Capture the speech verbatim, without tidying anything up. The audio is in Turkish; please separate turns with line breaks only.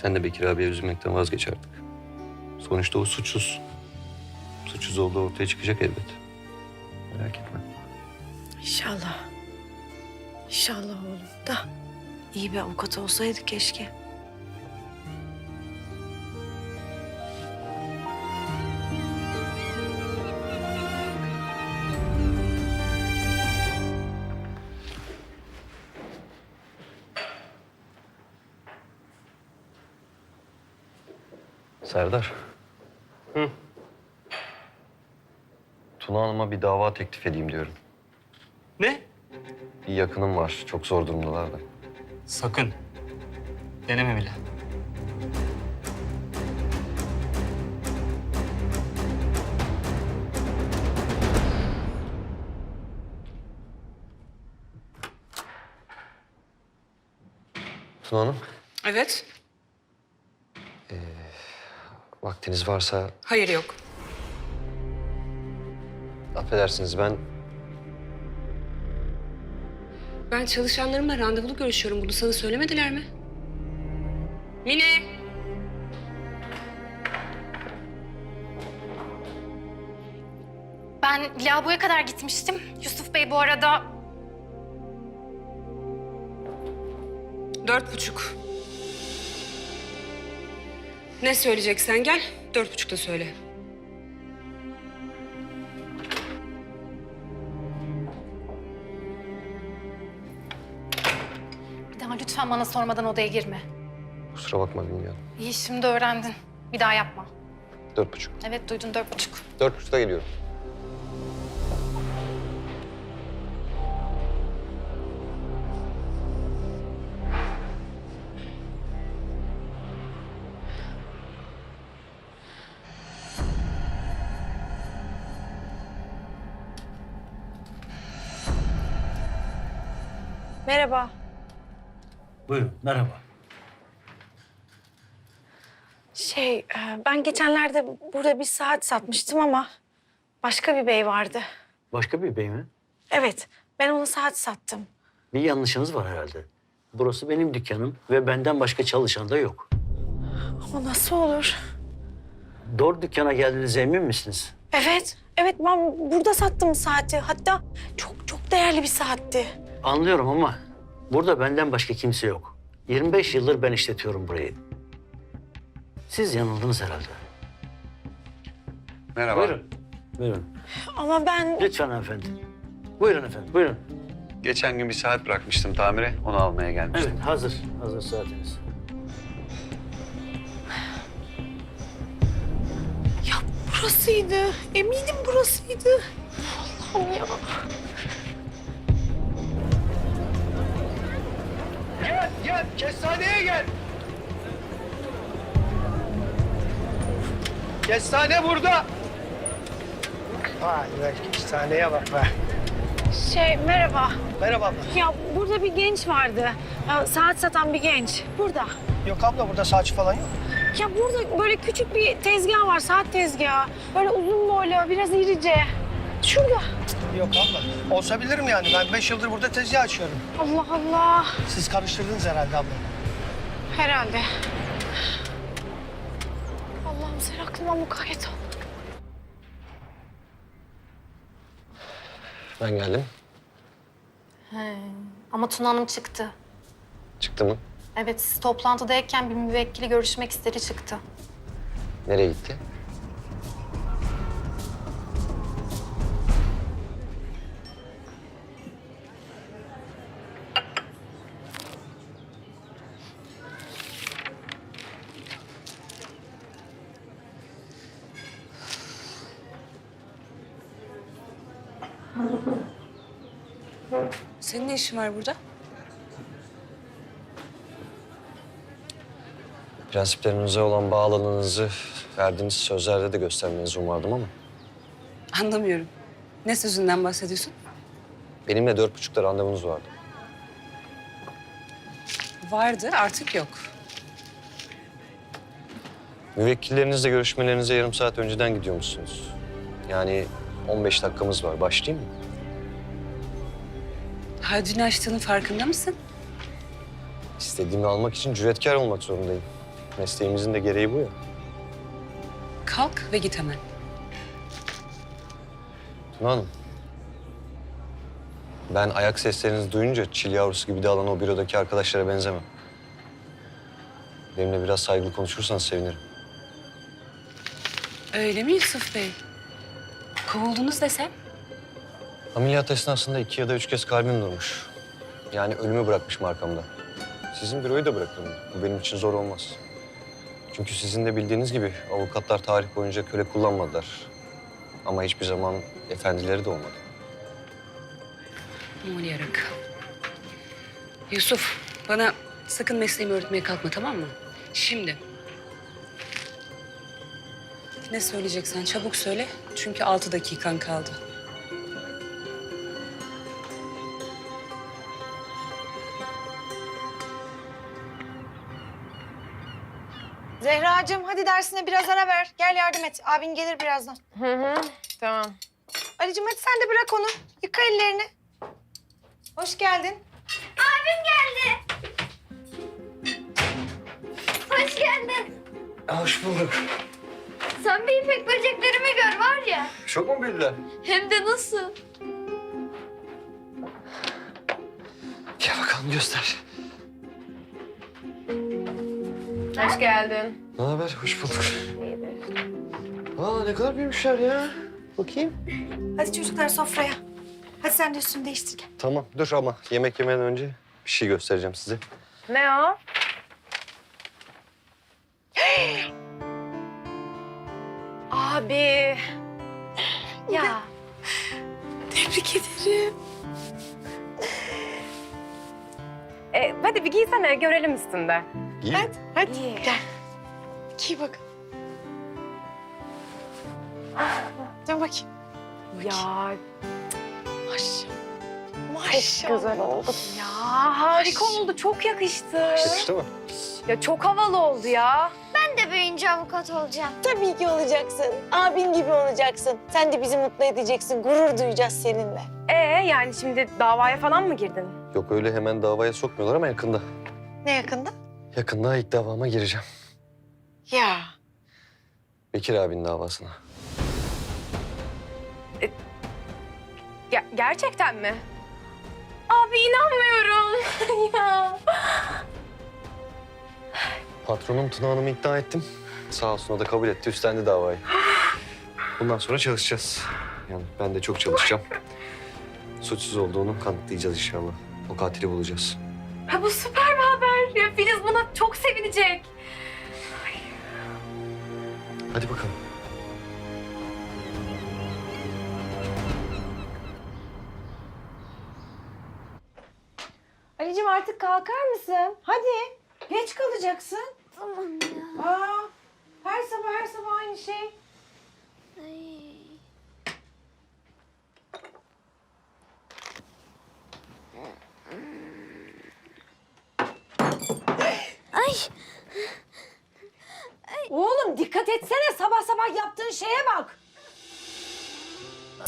Sen de Bekir abiye üzülmekten vazgeç artık. Sonuçta o suçsuz. Suçsuz olduğu ortaya çıkacak elbet. Merak etme.
İnşallah. İnşallah oğlum da iyi bir avukat olsaydı keşke.
Serdar.
Hı.
Tuna Hanım'a bir dava teklif edeyim diyorum.
Ne?
Bir yakınım var. Çok zor durumdalar da.
Sakın. Deneme bile.
Tuna Hanım,
Evet.
vaktiniz varsa
Hayır yok.
affedersiniz ben...
Ben çalışanlarımla randevulu görüşüyorum. Bunu sana söylemediler mi? Mine!
Ben lavaboya kadar gitmiştim. Yusuf Bey bu arada...
Dört buçuk. Ne söyleyeceksen gel. Dört buçukta söyle.
Bir daha lütfen bana sormadan odaya girme.
Kusura bakma bilmiyorum.
İyi, şimdi öğrendin. Bir daha yapma.
Dört buçuk.
Evet, duydun, dört buçuk.
Dört buçukta geliyorum.
Merhaba.
Buyurun, merhaba.
Şey, e, ben geçenlerde burada bir saat satmıştım ama başka bir bey vardı.
Başka bir bey mi?
Evet, ben ona saat sattım.
Bir yanlışınız var herhalde. Burası benim dükkanım ve benden başka çalışan da yok.
O nasıl olur?
Doğru dükkana geldiğinize emin misiniz?
Evet, evet ben burada sattım saati. Hatta çok çok değerli bir saatti.
Anlıyorum ama burada benden başka kimse yok. yirmi beş yıldır ben işletiyorum burayı. Siz yanıldınız herhalde.
Merhaba.
Buyurun. Buyurun.
Ama ben...
Lütfen hanımefendi. Buyurun efendim, buyurun.
Geçen gün bir saat bırakmıştım tamire. Onu almaya gelmiştim.
Evet, hazır. Hazır saatiniz.
Ya burasıydı. Eminim burasıydı. Allah'ım ya.
Gel, gel. Kestaneye gel. Kestane burada. Vay be, kestaneye bak be.
Şey, merhaba.
Merhaba abla.
Ya burada bir genç vardı. Ya, saat satan bir genç. Burada.
Yok abla, burada saçı falan yok.
Ya burada böyle küçük bir tezgah var, saat tezgahı. Böyle uzun boylu, biraz irice. Şurada.
Yok abla. Olsa bilirim yani. Ben beş yıldır burada tezgah açıyorum.
Allah Allah.
Siz karıştırdınız herhalde abla.
Herhalde. Allah'ım sen aklıma mukayyet ol.
Ben geldim.
He. Ama Tuna Hanım çıktı.
Çıktı mı?
Evet, siz toplantıdayken bir müvekkili görüşmek istedi, çıktı.
Nereye gitti?
Senin ne işin var burada?
Prensiplerinize olan bağlılığınızı verdiğiniz sözlerde de göstermenizi umardım ama...
Anlamıyorum. Ne sözünden bahsediyorsun?
benimle dört buçukta randevunuz vardı.
Vardı, artık yok.
Müvekkillerinizle görüşmelerinize yarım saat önceden gidiyormuşsunuz. Yani on beş dakikamız var. Başlayayım mı?
Haddini aştığının farkında mısın?
İstediğimi almak için cüretkar olmak zorundayım. Mesleğimizin de gereği bu ya.
Kalk ve git hemen.
Tuna Hanım. Ben ayak seslerinizi duyunca çil yavrusu gibi dağılan o bürodaki arkadaşlara benzemem. Benimle biraz saygılı konuşursanız sevinirim.
Öyle mi Yusuf Bey? Kovuldunuz desem?
Ameliyat esnasında iki ya da üç kez kalbim durmuş. Yani ölümü bırakmışım arkamda. Sizin büroyu da bırakırım. Bu benim için zor olmaz. Çünkü sizin de bildiğiniz gibi avukatlar tarih boyunca köle kullanmadılar. Ama hiçbir zaman efendileri de olmadı.
Aman yarak. Yusuf, bana sakın mesleğimi öğretmeye kalkma, tamam mı? Şimdi. Ne söyleyeceksen çabuk söyle. Çünkü altı dakikan kaldı.
Zehracığım hadi dersine biraz ara ver. Gel yardım et. Abin gelir birazdan.
Hı hı, tamam.
Ali'cim hadi sen de bırak onu. Yıka ellerini. Hoş geldin.
Hoş geldin.
Hoş bulduk.
Sen bir ipek böceklerimi gör var ya.
Çok mu büyüdüler?
Hem de nasıl?
Gel bakalım göster.
Hoş geldin.
Ne haber? Hoş bulduk. Aa ne kadar büyümüşler ya. Bakayım.
Hadi çocuklar sofraya. Hadi sen de üstünü değiştir gel.
Tamam dur ama yemek yemeden önce bir şey göstereceğim size.
Ne o? Abi. Ya.
Tebrik ederim.
E, hadi bir giysene görelim üstünde.
İyi.
Hadi, hadi.
İyi.
Gel. Giy bak. Dön bakayım.
Ya
Maşallah.
çok
Maşallah.
güzel oldu. Ya harika oldu. Çok yakıştı.
Yakıştı mı?
Ya çok havalı oldu ya.
Ben de büyüyünce avukat olacağım.
Tabii ki olacaksın. Abin gibi olacaksın. Sen de bizi mutlu edeceksin. Gurur duyacağız seninle.
Ee yani şimdi davaya falan mı girdin?
Yok öyle hemen davaya sokmuyorlar ama yakında.
Ne yakında?
Yakında ilk davama gireceğim.
Ya.
Bekir abinin davasına.
Ge- gerçekten mi? Abi inanmıyorum. ya.
Patronum Tuna Hanım'ı ikna ettim. Sağ olsun o da kabul etti, üstlendi davayı. Bundan sonra çalışacağız. Yani ben de çok çalışacağım. Suçsuz olduğunu kanıtlayacağız inşallah. O katili bulacağız.
Ha, bu süper bir haber. Ya Filiz buna çok sevinecek.
Hadi bakalım.
Ali'cim artık kalkar mısın? Hadi. Geç kalacaksın.
Tamam ya.
Aa, her sabah her sabah aynı şey.
Ay. Ay.
Oğlum dikkat etsene sabah sabah yaptığın şeye bak.